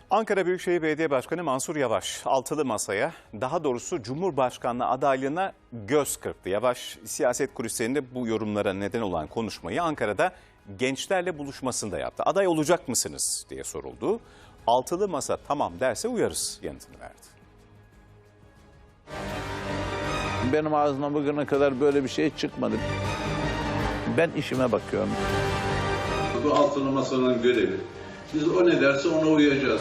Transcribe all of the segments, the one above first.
Ankara Büyükşehir Belediye Başkanı Mansur Yavaş altılı masaya, daha doğrusu Cumhurbaşkanlığı adaylığına göz kırptı. Yavaş siyaset kulislerinde bu yorumlara neden olan konuşmayı Ankara'da gençlerle buluşmasında yaptı. Aday olacak mısınız diye soruldu. Altılı masa tamam derse uyarız yanıtını verdi. Benim ağzımdan bugüne kadar böyle bir şey çıkmadı. Ben işime bakıyorum. Bu altılı masanın görevi. Biz o ne derse ona uyacağız.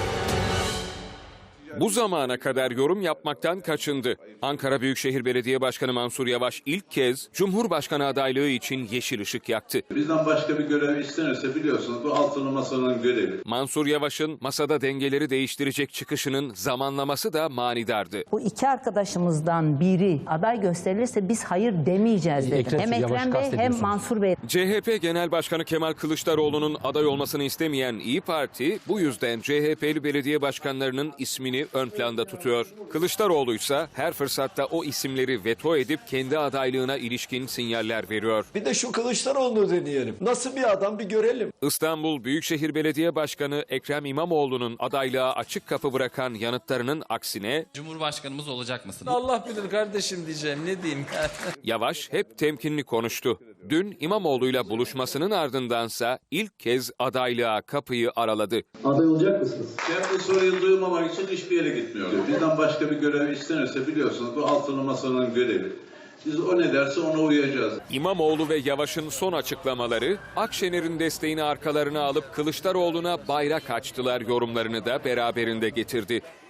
Bu zamana kadar yorum yapmaktan kaçındı. Ankara Büyükşehir Belediye Başkanı Mansur Yavaş ilk kez Cumhurbaşkanı adaylığı için yeşil ışık yaktı. Bizden başka bir görev istenirse biliyorsunuz bu altılı masanın görevi. Mansur Yavaş'ın masada dengeleri değiştirecek çıkışının zamanlaması da manidardı. Bu iki arkadaşımızdan biri aday gösterilirse biz hayır demeyeceğiz dedi. Hem Ekrem Bey hem Mansur Bey. CHP Genel Başkanı Kemal Kılıçdaroğlu'nun aday olmasını istemeyen İYİ Parti bu yüzden CHP'li belediye başkanlarının ismini ön planda tutuyor. Kılıçdaroğlu ise her fırsatta o isimleri veto edip kendi adaylığına ilişkin sinyaller veriyor. Bir de şu Kılıçdaroğlu'nu deneyelim. Nasıl bir adam bir görelim. İstanbul Büyükşehir Belediye Başkanı Ekrem İmamoğlu'nun adaylığa açık kapı bırakan yanıtlarının aksine Cumhurbaşkanımız olacak mısın? Allah bilir kardeşim diyeceğim, ne diyeyim. Yavaş hep temkinli konuştu. Dün İmamoğlu'yla buluşmasının ardındansa ilk kez adaylığa kapıyı araladı. Aday olacak mısınız? Ben bu soruyu duymamak için hiçbir yere gitmiyorum. Bizden başka bir görev istenirse biliyorsunuz bu altılı masanın görevi. Biz o ne derse ona uyacağız. İmamoğlu ve Yavaş'ın son açıklamaları Akşener'in desteğini arkalarına alıp Kılıçdaroğlu'na bayrak açtılar yorumlarını da beraberinde getirdi.